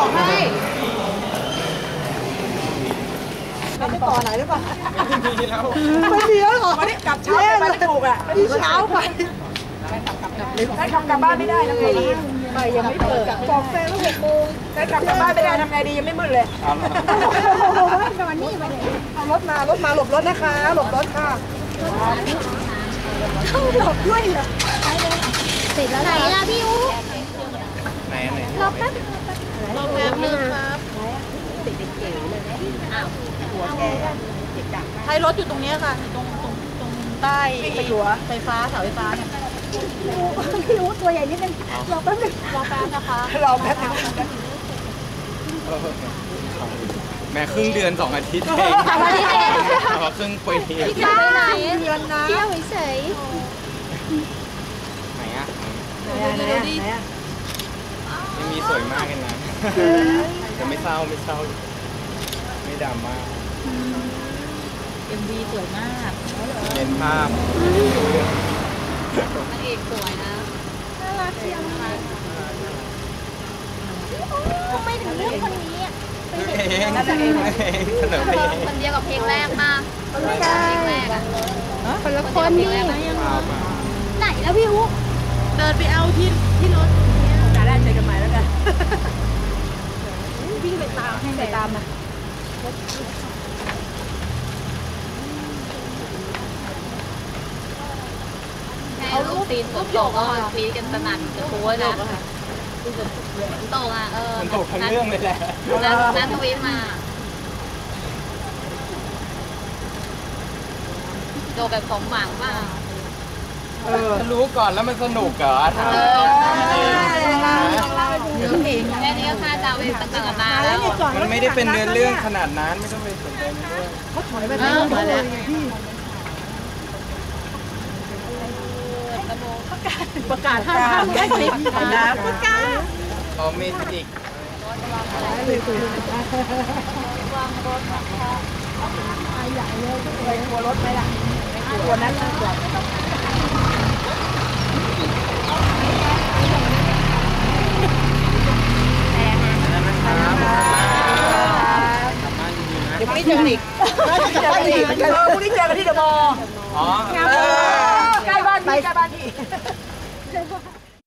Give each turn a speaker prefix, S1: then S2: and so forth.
S1: บอกให้
S2: เราไปต่อไหนหรือเปล่า
S1: ไม่มีแล้ว
S2: ไม่มีแล้วหรอ
S3: วันนี้กลับเช้าไปถูกอ่ะ
S2: ที่เช้าไป
S3: ได้ขับกลับบ้านไม่ได้ทำไงดี
S2: ไปยังไม่เปิดบอกแฟนว่า6 โมง
S3: ได้ขับกลับบ้านไม่ได้ทำไงดียังไม่มืดเลย
S2: นอนนี่มาเนี่ยเอารถมาหลบรถนะคะหลบรถค่ะหลบด้วยเหรอ
S4: เสร็จแล้วไหนล่ะพี่อู๋
S1: ไหน
S4: รอแป๊บนึงครับ
S2: ใช้รถอยู่ตรงนี้ค่ะตรงใต้ไฟฟ้าเสาไฟฟ้าเนี่ยพี่อู๋ตัวใหญ่นิดนึงรอแป๊บนึงรอแป๊บนะคะ
S3: รอแป๊บนึง
S1: แม่ครึ่งเดือน2 อาทิตย์เองครึ่งปี
S4: พี่จะไปไหน
S2: เดือนนะ
S4: เที่ยวเฉย
S1: ไหนอ่ะ
S2: ดูดิ
S1: ยังมีสวยมากเลยนะจะไม่เศร้าไม่ดำมาก
S2: MV สวยมาก
S1: เห็นภาพ
S4: นางเอกสวยนะน่ารักเชียวทำไมถึงเลือกคนนี้อ่ะ
S1: เองเสนอเพลง
S4: คนเดียวกับเพลงแรกมาคนละเพลงแรกอ่ะคนละคนนี่ไหนแล้วพี่อุ๊
S2: เดินไปเอาที่รถ
S3: จะได้เจอกันใหม่แล้วกัน
S2: วิ่งไปตามให้ไปตามนะ
S4: เอาลูกตีนฝนตกก็ตีกันสนั่นจะโค้ยนะฝนตกอ่ะ
S1: มันตกทั้งเรื่องเลยแหละ
S4: นั่นทวีตมาโดแบบสมหวังมาก
S1: รู้ก่อนแล้วมันสนุกเหรอถาม
S4: แค่นี้ก็ค่าดาวไปตั้งแต่นานแล้ว
S1: มันไม่ได้เป็นเนื้อเรื่องขนาดนั้นไม่ต้องไปสนใจเรื่อง
S2: เขาถอยไปได้เลยพี่ประกาศห้ามแค่คลิปนะประกาศ
S1: เอาเมจิก
S2: วางรถนะคะใหญ่เลยไปกลัวรถไหมล่ะไม่กลัวนั้นกลัว
S3: เดี๋ยวพรุ่งนี้เจอกันอีกพรุ่งนี้เจอกันที่เดอะมอลล์
S1: อ๋อ
S3: ใกล้บ้านพี่